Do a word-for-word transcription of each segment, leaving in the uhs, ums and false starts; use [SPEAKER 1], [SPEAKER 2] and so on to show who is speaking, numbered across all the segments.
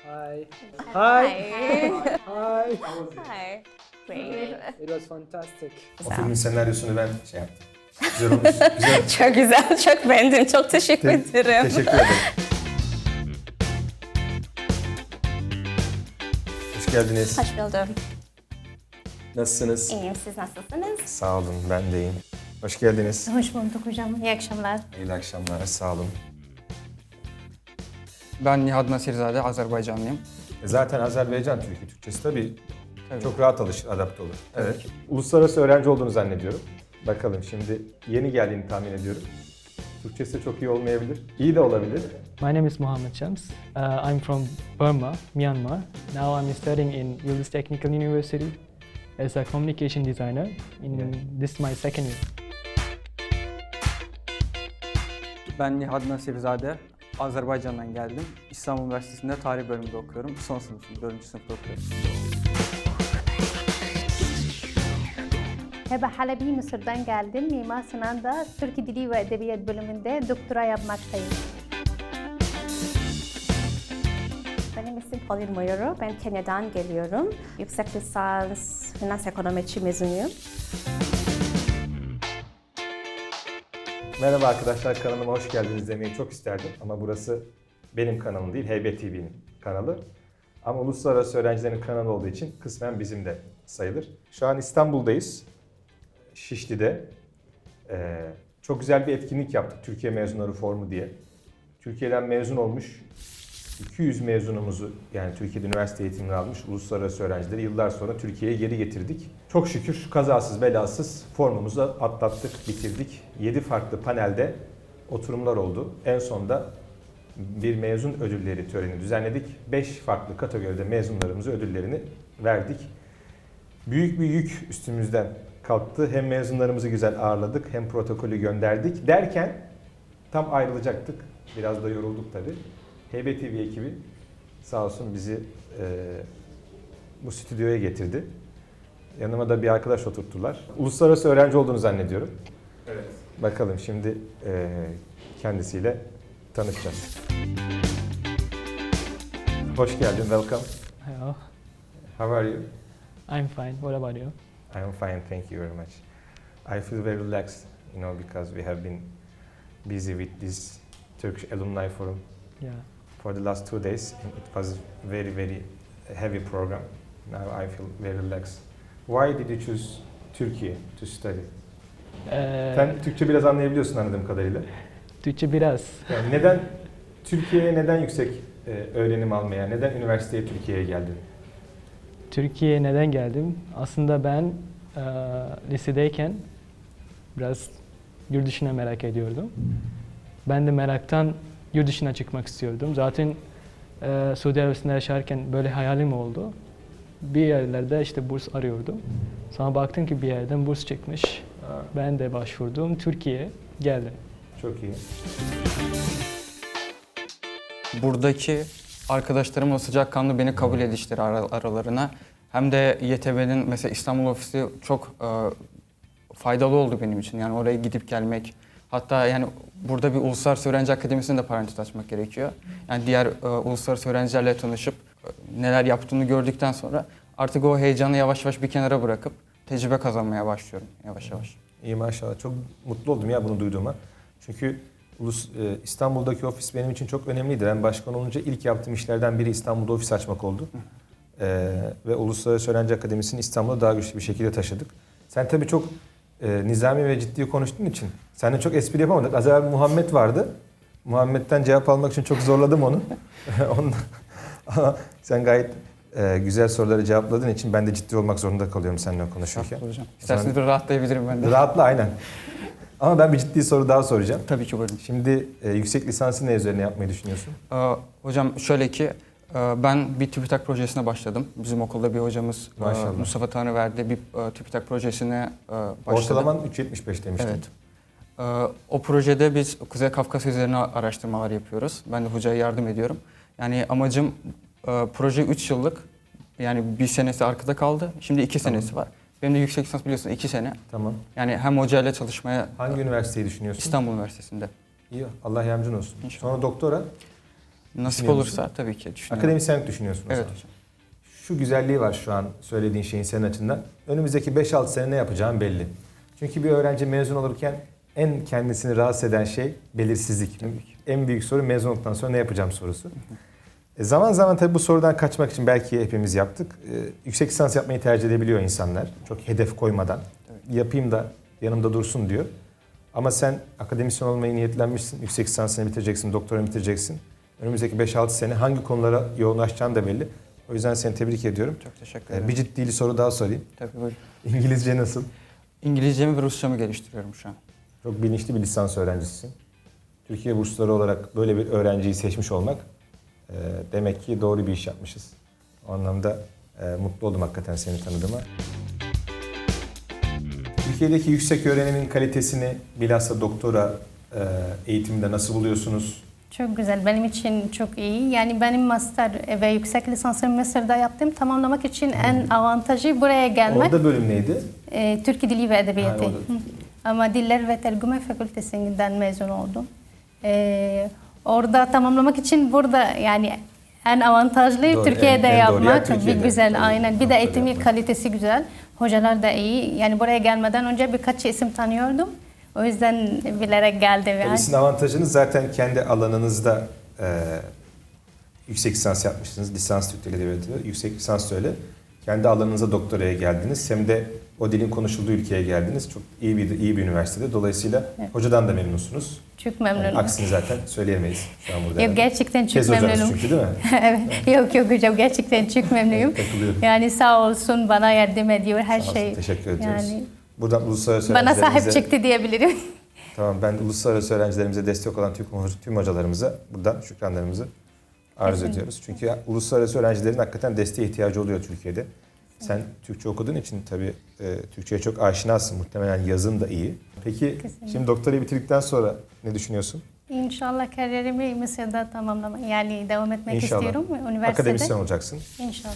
[SPEAKER 1] Hi.
[SPEAKER 2] Hi.
[SPEAKER 1] Hi.
[SPEAKER 2] Hi. Great.
[SPEAKER 1] It was fantastic.
[SPEAKER 3] O filmin senaryosunu ben şey yaptım. Güzel olmuş. Güzel.
[SPEAKER 2] Çok güzel, çok beğendim. Çok teşekkür
[SPEAKER 3] Te-
[SPEAKER 2] ederim.
[SPEAKER 3] Teşekkür ederim. Hoş geldiniz.
[SPEAKER 2] Hoş buldum.
[SPEAKER 3] Nasılsınız?
[SPEAKER 2] İyiyim, siz nasılsınız?
[SPEAKER 3] Sağ olun, ben de iyiyim. Hoş geldiniz.
[SPEAKER 2] Hoş bulduk hocam. İyi akşamlar.
[SPEAKER 3] İyi akşamlar, sağ olun.
[SPEAKER 4] Ben Nihat Nasirzade, Azerbaycanlıyım.
[SPEAKER 3] E Zaten Azerbaycan Türkü, Türkçesi tabii
[SPEAKER 4] Tabii.
[SPEAKER 3] çok rahat alışır, adapte olur. Evet. Uluslararası öğrenci olduğunu zannediyorum. Bakalım şimdi yeni geldiğini tahmin ediyorum. Türkçesi de çok iyi olmayabilir. İyi de olabilir.
[SPEAKER 1] My name is Mohammed Shams. Uh, I'm from Burma, Myanmar. Now I'm studying in Yıldız Technical University as a communication designer. In
[SPEAKER 3] Yeah.
[SPEAKER 1] This is my second year.
[SPEAKER 4] Ben Nihat Nasirzade, Azerbaycan'dan geldim. İstanbul Üniversitesi'nde tarih bölümünde okuyorum. Son sınıfım, dördüncü sınıfta okuyorum.
[SPEAKER 5] Hebe Halebi, Mısır'dan geldim. Mimar Sinan'da Türk Dili ve Edebiyat bölümünde doktora yapmaktayım.
[SPEAKER 2] Benim ismim Pauline Moyoro. Ben Kenya'dan geliyorum. Yüksek lisans finans ekonometri mezunuyum.
[SPEAKER 3] Merhaba arkadaşlar, kanalıma hoş geldiniz demeyi çok isterdim. Ama burası benim kanalım değil, Heybet T V'nin kanalı. Ama uluslararası öğrencilerin kanalı olduğu için kısmen bizim de sayılır. Şu an İstanbul'dayız, Şişli'de. Ee, çok güzel bir etkinlik yaptık, Türkiye Mezunları Forumu diye. Türkiye'den mezun olmuş iki yüz mezunumuzu, yani Türkiye'de üniversite eğitimini almış uluslararası öğrencileri yıllar sonra Türkiye'ye geri getirdik. Çok şükür kazasız belasız formumuzu atlattık, bitirdik. yedi farklı panelde oturumlar oldu. En sonda bir mezun ödülleri töreni düzenledik. beş farklı kategoride mezunlarımıza ödüllerini verdik. Büyük bir yük üstümüzden kalktı. Hem mezunlarımızı güzel ağırladık hem protokolü gönderdik derken tam ayrılacaktık. Biraz da yorulduk tabii. Heybet T V ekibi sağ olsun bizi e, bu stüdyoya getirdi. Yanıma da bir arkadaş oturttular. Uluslararası öğrenci olduğunu zannediyorum. Evet. Bakalım şimdi e, kendisiyle tanışacağız. Hoş geldin, welcome.
[SPEAKER 1] Hello.
[SPEAKER 3] How are you?
[SPEAKER 1] I'm fine. What about you?
[SPEAKER 3] I'm fine, thank you very much. I feel very relaxed, you know, because we have been busy with this Turkish Alumni Forum
[SPEAKER 1] Yeah.
[SPEAKER 3] for the last two days. And it was very, very heavy program. Now I feel very relaxed. Why did you choose Turkey to study?
[SPEAKER 1] Ee,
[SPEAKER 3] Sen Türkçe biraz anlayabiliyorsun anladığım kadarıyla.
[SPEAKER 1] Türkçe biraz.
[SPEAKER 3] Yani neden Türkiye'ye neden yüksek e, öğrenim almaya, neden üniversiteye Türkiye'ye geldin?
[SPEAKER 1] Türkiye'ye neden geldim? Aslında ben e, lisedeyken biraz yurt dışına merak ediyordum. Ben de meraktan yurt dışına çıkmak istiyordum. Zaten e, Suudi Arabistan'da yaşarken böyle hayalim oldu. Bir yerlerde işte burs arıyordum. Sonra baktım ki bir yerden burs çıkmış. Ben de başvurdum. Türkiye'ye geldim.
[SPEAKER 3] Çok iyi.
[SPEAKER 4] Buradaki arkadaşlarımla sıcakkanlı beni kabul edişleri ara- aralarına. Hem de Y T B'nin mesela İstanbul ofisi çok e, faydalı oldu benim için. Yani oraya gidip gelmek. Hatta yani burada bir Uluslararası Öğrenci Akademisi'nde de parantez açmak gerekiyor. Yani diğer e, uluslararası öğrencilerle tanışıp e, neler yaptığını gördükten sonra artık o heyecanı yavaş yavaş bir kenara bırakıp tecrübe kazanmaya başlıyorum yavaş yavaş.
[SPEAKER 3] İyi maşallah. Çok mutlu oldum ya bunu duyduğuma. Çünkü Ulus, e, İstanbul'daki ofis benim için çok önemliydi. Ben başkan olunca ilk yaptığım işlerden biri İstanbul'da ofis açmak oldu. E, ve Uluslararası Öğrenci Akademisi'ni İstanbul'a daha güçlü bir şekilde taşıdık. Sen tabii çok e, nizami ve ciddi konuştuğun için seninle çok espri yapamadık. Az evvel Muhammed vardı. Muhammed'den cevap almak için çok zorladım onu. Ondan, ama sen gayet e, güzel soruları cevapladığın için ben de ciddi olmak zorunda kalıyorum seninle konuşurken.
[SPEAKER 4] Hocam. İsterseniz bir rahatlayabilirim ben de.
[SPEAKER 3] Rahatla aynen. Ama ben bir ciddi soru daha soracağım.
[SPEAKER 4] Tabii ki buyurun.
[SPEAKER 3] Şimdi e, yüksek lisansı ne üzerine yapmayı düşünüyorsun?
[SPEAKER 4] Ee, hocam şöyle ki e, ben bir TÜBİTAK projesine başladım. Bizim okulda bir hocamız e,
[SPEAKER 3] Maşallah.
[SPEAKER 4] Mustafa Tanrıverdi bir e, TÜBİTAK projesine e, başladı.
[SPEAKER 3] Ortalaman üç virgül yetmiş beş demiştin.
[SPEAKER 4] Evet. Ee, o projede biz Kuzey Kafkasya üzerine araştırmalar yapıyoruz. Ben de hocaya yardım ediyorum. Yani amacım e, proje üç yıllık. Yani bir senesi arkada kaldı. Şimdi iki
[SPEAKER 3] Tamam.
[SPEAKER 4] senesi var. Benim de yüksek lisans biliyorsun iki sene.
[SPEAKER 3] Tamam.
[SPEAKER 4] Yani hem hocayla çalışmaya
[SPEAKER 3] Hangi üniversiteyi düşünüyorsun?
[SPEAKER 4] İstanbul Üniversitesi'nde.
[SPEAKER 3] İyi. Allah yardımcın olsun.
[SPEAKER 4] İnşallah.
[SPEAKER 3] Sonra doktora.
[SPEAKER 4] Nasip
[SPEAKER 3] Düşünüyor
[SPEAKER 4] olursa
[SPEAKER 3] musun?
[SPEAKER 4] tabii ki düşünüyorum.
[SPEAKER 3] Akademisyenlik düşünüyorsun o
[SPEAKER 4] Evet
[SPEAKER 3] zaman.
[SPEAKER 4] hocam.
[SPEAKER 3] Şu güzelliği var şu an söylediğin şeyin senin açından. Önümüzdeki beş altı sene ne yapacağın belli. Çünkü bir öğrenci mezun olurken en kendisini rahatsız eden şey belirsizlik. En büyük soru mezun olduktan sonra ne yapacağım sorusu. E zaman zaman tabii bu sorudan kaçmak için belki hepimiz yaptık. E, yüksek lisans yapmayı tercih edebiliyor insanlar. Çok hedef koymadan. Yapayım da yanımda dursun diyor. Ama sen akademisyen olmayı niyetlenmişsin. Yüksek lisansını bitireceksin, doktoranı bitireceksin. Önümüzdeki beş altı sene hangi konulara yoğunlaşacağın da belli. O yüzden seni tebrik ediyorum.
[SPEAKER 4] Çok teşekkür
[SPEAKER 3] E,
[SPEAKER 4] ederim.
[SPEAKER 3] bir ciddi soru daha sorayım.
[SPEAKER 4] Tabii buyurun.
[SPEAKER 3] İngilizce nasıl?
[SPEAKER 4] İngilizcemi ve Rusçamı geliştiriyorum şu an.
[SPEAKER 3] Çok bilinçli bir lisans öğrencisisin. Türkiye bursları olarak böyle bir öğrenciyi seçmiş olmak e, demek ki doğru bir iş yapmışız. O anlamda e, mutlu oldum hakikaten seni tanıdığıma. Türkiye'deki yüksek öğrenimin kalitesini bilhassa doktora e, eğitiminde nasıl buluyorsunuz?
[SPEAKER 5] Çok güzel. Benim için çok iyi. Yani benim master ve yüksek lisansımı Mısır'da yaptım. Tamamlamak için en avantajı buraya gelmek.
[SPEAKER 3] Orada bölüm neydi?
[SPEAKER 5] Ee, Türk Dili ve Edebiyatı.
[SPEAKER 3] Ha, orada.
[SPEAKER 5] Hı. Ama Diller ve Tercüme Fakültesinden mezun oldum. Ee, orada tamamlamak için burada yani en avantajlı
[SPEAKER 3] Doğru,
[SPEAKER 5] Türkiye'de
[SPEAKER 3] en- en doğru yer
[SPEAKER 5] yapmak.
[SPEAKER 3] Türkiye'de.
[SPEAKER 5] Bir güzel,
[SPEAKER 3] Tabii,
[SPEAKER 5] aynen. Bir de
[SPEAKER 3] doktora
[SPEAKER 5] eğitimi
[SPEAKER 3] yapmak.
[SPEAKER 5] kalitesi güzel. Hocalar da iyi. Yani buraya gelmeden önce birkaç isim tanıyordum. O yüzden bilerek geldim yani.
[SPEAKER 3] Tabii sizin avantajınız zaten kendi alanınızda e, yüksek lisans yapmıştınız. Lisans Türk Dili Edebiyatı, yüksek lisans da öyle. Kendi alanınıza doktoraya geldiniz. Hem de o dilin konuşulduğu ülkeye geldiniz. Çok iyi bir iyi bir üniversitede. Dolayısıyla
[SPEAKER 5] Evet.
[SPEAKER 3] hocadan da memnunsunuz.
[SPEAKER 5] Çok
[SPEAKER 3] Yani
[SPEAKER 5] memnunum.
[SPEAKER 3] aksini zaten söyleyemeyiz şu an burada.
[SPEAKER 5] Yok, gerçekten çok
[SPEAKER 3] Tez hocanız
[SPEAKER 5] memnunum.
[SPEAKER 3] çünkü değil mi?
[SPEAKER 5] Evet. Yok yok hocam, gerçekten çok memnunum.
[SPEAKER 3] Takılıyorum.
[SPEAKER 5] Yani sağ olsun, bana yardım ediyor her
[SPEAKER 3] Sağ olsun,
[SPEAKER 5] şey.
[SPEAKER 3] teşekkür ediyoruz.
[SPEAKER 5] Yani
[SPEAKER 3] Buradan uluslararası
[SPEAKER 5] bana sahip
[SPEAKER 3] öğrencilerimize-
[SPEAKER 5] çıktı diyebilirim.
[SPEAKER 3] Tamam, ben de uluslararası öğrencilerimize destek olan tüm, tüm hocalarımıza buradan şükranlarımızı arz
[SPEAKER 5] Kesinlikle.
[SPEAKER 3] ediyoruz. Çünkü uluslararası öğrencilerin hakikaten desteğe ihtiyacı oluyor Türkiye'de. Sen Türkçe okuduğun için tabii e, Türkçe'ye çok aşinasın. Muhtemelen yazın da iyi. Peki
[SPEAKER 5] Kesinlikle.
[SPEAKER 3] şimdi doktorayı bitirdikten sonra ne düşünüyorsun?
[SPEAKER 5] İnşallah kariyerimi Mısır'da tamamlamak, yani devam etmek
[SPEAKER 3] İnşallah.
[SPEAKER 5] istiyorum üniversitede.
[SPEAKER 3] Akademisyen olacaksın.
[SPEAKER 5] İnşallah.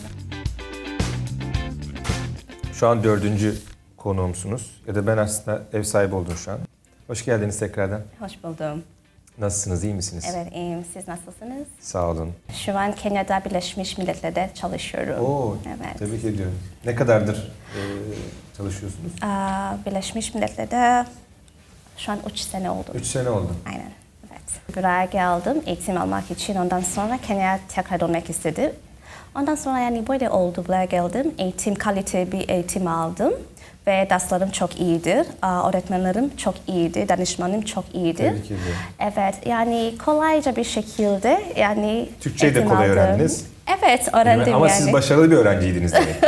[SPEAKER 3] Şu an dördüncü konuğumsunuz. Ya da ben aslında ev sahibi oldum şu an. Hoş geldiniz tekrardan.
[SPEAKER 2] Hoş buldum.
[SPEAKER 3] Nasılsınız, iyi misiniz?
[SPEAKER 2] Evet, iyiyim. Siz nasılsınız?
[SPEAKER 3] Sağ olun.
[SPEAKER 2] Şu an Kenya'da Birleşmiş Milletler'de çalışıyorum.
[SPEAKER 3] Oo,
[SPEAKER 2] Evet.
[SPEAKER 3] tebrik ediyorum. Ne kadardır e, çalışıyorsunuz?
[SPEAKER 2] Aa, Birleşmiş Milletler'de şu an üç sene oldu.
[SPEAKER 3] Üç sene oldu.
[SPEAKER 2] Aynen. Evet. Buraya geldim eğitim almak için. Ondan sonra Kenya'ya tekrar dönmek istedim. Ondan sonra yani böyle oldu. Buraya geldim. Eğitim, kalite bir eğitim aldım. Ve derslerim çok iyidir. Aa, öğretmenlerim çok iyiydi. Danışmanım çok iyiydi.
[SPEAKER 3] Tebrik ediyorum.
[SPEAKER 2] Evet, yani kolayca bir şekilde yani
[SPEAKER 3] Türkçeyi de
[SPEAKER 2] eğitim
[SPEAKER 3] kolay
[SPEAKER 2] aldım.
[SPEAKER 3] öğrendiniz.
[SPEAKER 2] Evet, öğrendim
[SPEAKER 3] Ama
[SPEAKER 2] yani.
[SPEAKER 3] siz başarılı bir öğrenciydiniz demek.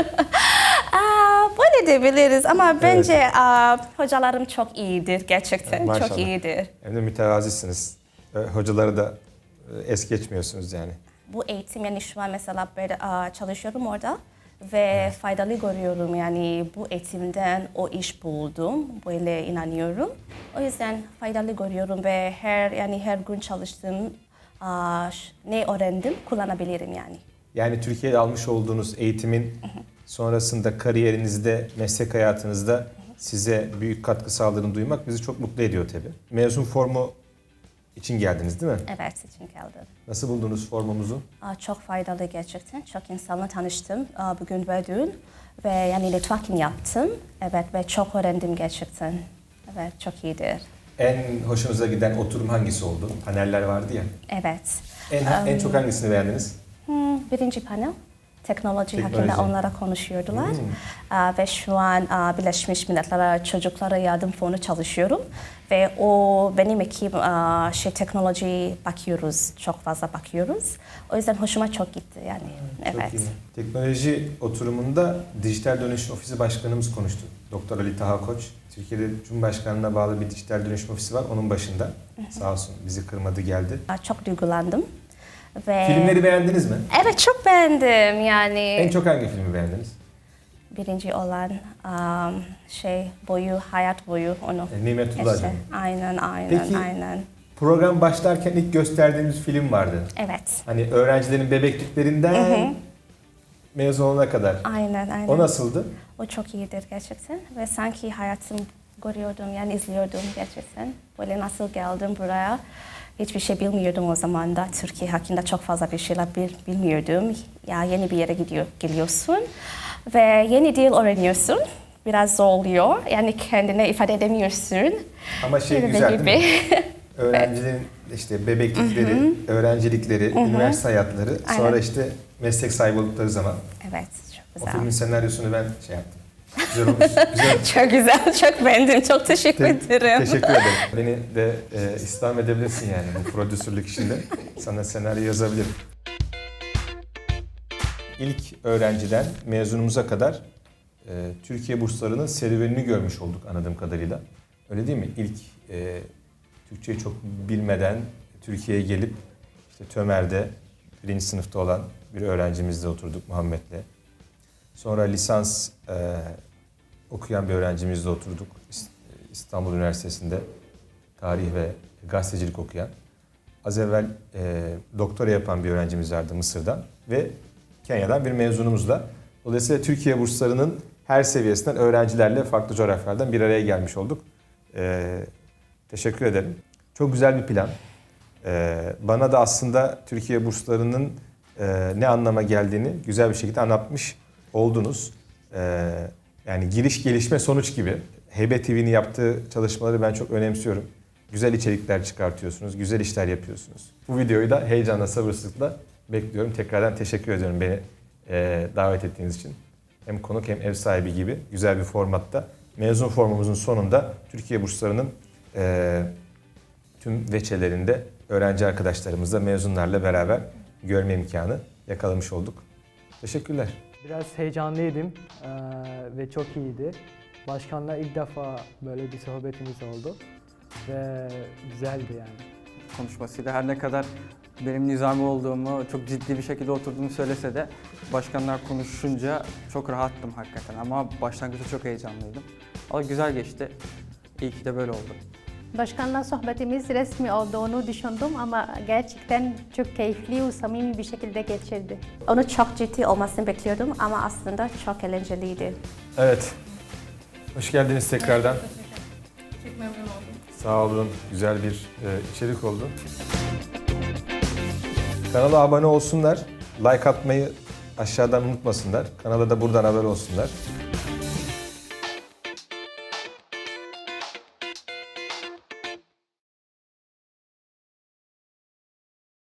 [SPEAKER 2] Aa, böyle diyebiliriz ama bence aa, hocalarım çok iyidir gerçekten.
[SPEAKER 3] Maşallah.
[SPEAKER 2] Çok iyidir.
[SPEAKER 3] Hem de mütevazisiniz. E, Hocaları da e, es geçmiyorsunuz yani.
[SPEAKER 2] Bu eğitim yani şu an mesela böyle aa, çalışıyorum orada ve faydalı görüyorum yani bu eğitimden o iş buldum. Böyle inanıyorum. O yüzden faydalı görüyorum ve her yani her gün çalıştığım aa, ş- ne öğrendim kullanabilirim yani.
[SPEAKER 3] Yani Türkiye'de almış olduğunuz eğitimin sonrasında kariyerinizde, meslek hayatınızda size büyük katkı sağladığını duymak bizi çok mutlu ediyor tabii. Mezun formu için geldiniz değil mi?
[SPEAKER 2] Evet, için geldim.
[SPEAKER 3] Nasıl buldunuz formumuzu?
[SPEAKER 2] Aa, Çok faydalı gerçekten. Çok insanla tanıştım aa, bugün ve dün. Ve yani networking yaptım. Evet ve çok öğrendim gerçekten. Evet, çok iyidir.
[SPEAKER 3] En hoşunuza giden oturum hangisi oldu? Paneller vardı ya.
[SPEAKER 2] Evet.
[SPEAKER 3] En, en çok hangisini beğendiniz?
[SPEAKER 2] Hmm, birinci panel. Teknoloji,
[SPEAKER 3] Teknoloji.
[SPEAKER 2] hakkında onlara konuşuyordular.
[SPEAKER 3] Hmm.
[SPEAKER 2] Aa, ve şu an aa, Birleşmiş Milletler Çocuklara Yardım Fonu çalışıyorum. Ve o benim ekip aa, şey teknoloji bakıyoruz, çok fazla bakıyoruz. O yüzden hoşuma çok gitti yani.
[SPEAKER 3] Çok
[SPEAKER 2] Evet.
[SPEAKER 3] iyi. Teknoloji oturumunda Dijital Dönüşüm Ofisi Başkanımız konuştu. Doktor Ali Taha Koç. Türkiye'de Cumhurbaşkanlığına bağlı bir dijital dönüşüm ofisi var. Onun başında. Sağ olsun bizi kırmadı geldi.
[SPEAKER 2] Aa, Çok duygulandım. Ve
[SPEAKER 3] Filmleri beğendiniz mi?
[SPEAKER 2] Evet, çok beğendim yani.
[SPEAKER 3] En çok hangi filmi beğendiniz?
[SPEAKER 2] Birinci olan um, şey boyu, hayat boyu onu.
[SPEAKER 3] E, Nimetullah
[SPEAKER 2] işte.
[SPEAKER 3] Canım.
[SPEAKER 2] Aynen, aynen,
[SPEAKER 3] Peki-
[SPEAKER 2] aynen.
[SPEAKER 3] Program başlarken ilk gösterdiğimiz film vardı.
[SPEAKER 2] Evet.
[SPEAKER 3] Hani öğrencilerin bebekliklerinden mezun olana kadar.
[SPEAKER 2] Aynen, aynen.
[SPEAKER 3] O nasıldı?
[SPEAKER 2] O çok iyidir gerçekten ve sanki hayatım görüyordum yani izliyordum gerçekten. Böyle nasıl geldim buraya hiçbir şey bilmiyordum o zaman da. Türkiye hakkında çok fazla bir şeyler bil- bilmiyordum. Ya yeni bir yere gidiyor, geliyorsun ve yeni dil öğreniyorsun. Biraz zor oluyor. Yani kendine ifade edemiyorsun.
[SPEAKER 3] Ama şey
[SPEAKER 2] Gibi
[SPEAKER 3] güzel
[SPEAKER 2] gibi.
[SPEAKER 3] değil mi? Öğrencilerin işte bebeklikleri, öğrencilikleri, üniversite hayatları, sonra
[SPEAKER 2] Aynen.
[SPEAKER 3] işte meslek sahibi oldukları zaman.
[SPEAKER 2] Evet, çok
[SPEAKER 3] O
[SPEAKER 2] güzel.
[SPEAKER 3] filmin senaryosunu ben şey yaptım. Güzel olmuş. Güzel.
[SPEAKER 2] Çok güzel, çok beğendim. Çok teşekkür
[SPEAKER 3] Te-
[SPEAKER 2] ederim.
[SPEAKER 3] Teşekkür ederim. Beni de e, istihdam edebilirsin yani bu prodüsörlük işinde. Sana senaryo yazabilirim. İlk öğrenciden mezunumuza kadar e, Türkiye burslarının serüvenini görmüş olduk anladığım kadarıyla. Öyle değil mi? İlk e, Türkçeyi çok bilmeden Türkiye'ye gelip işte Tömer'de birinci sınıfta olan bir öğrencimizle oturduk Muhammed'le. Sonra lisans e, okuyan bir öğrencimizle oturduk İs- İstanbul Üniversitesi'nde tarih ve gazetecilik okuyan. Az evvel e, doktora yapan bir öğrencimiz vardı Mısır'dan ve Kenya'dan bir mezunumuzla. Dolayısıyla Türkiye burslarının her seviyesinden öğrencilerle farklı coğrafyalardan bir araya gelmiş olduk. E, teşekkür ederim. Çok güzel bir plan. E, bana da aslında Türkiye burslarının e, ne anlama geldiğini güzel bir şekilde anlatmış oldunuz. E, yani giriş gelişme sonuç gibi. Heybet T V'nin yaptığı çalışmaları ben çok önemsiyorum. Güzel içerikler çıkartıyorsunuz, güzel işler yapıyorsunuz. Bu videoyu da heyecanla, sabırsızlıkla bekliyorum. Tekrardan teşekkür ediyorum beni e, davet ettiğiniz için. Hem konuk hem ev sahibi gibi güzel bir formatta. Mezun formumuzun sonunda Türkiye burslarının e, tüm veçelerinde öğrenci arkadaşlarımızla, mezunlarla beraber görme imkanı yakalamış olduk. Teşekkürler.
[SPEAKER 1] Biraz heyecanlıydım eee, ve çok iyiydi. Başkanla ilk defa böyle bir sohbetimiz oldu ve güzeldi yani.
[SPEAKER 4] Konuşmasıyla her ne kadar benim nizami olduğumu, çok ciddi bir şekilde oturduğumu söylese de başkanlar konuşunca çok rahattım hakikaten ama başlangıçta çok heyecanlıydım. Ama güzel geçti. İyi ki de böyle oldu.
[SPEAKER 5] Başkanla sohbetimiz resmi olduğunu düşündüm ama gerçekten çok keyifli ve samimi bir şekilde geçirdi.
[SPEAKER 2] Onu çok ciddi olmasını bekliyordum ama aslında çok eğlenceliydi.
[SPEAKER 3] Evet. Hoş geldiniz tekrardan.
[SPEAKER 5] Çok memnun oldum.
[SPEAKER 3] Sağ olun. Güzel bir e, içerik oldu. Kanala abone olsunlar. Like atmayı aşağıdan unutmasınlar. Kanala da buradan haber olsunlar.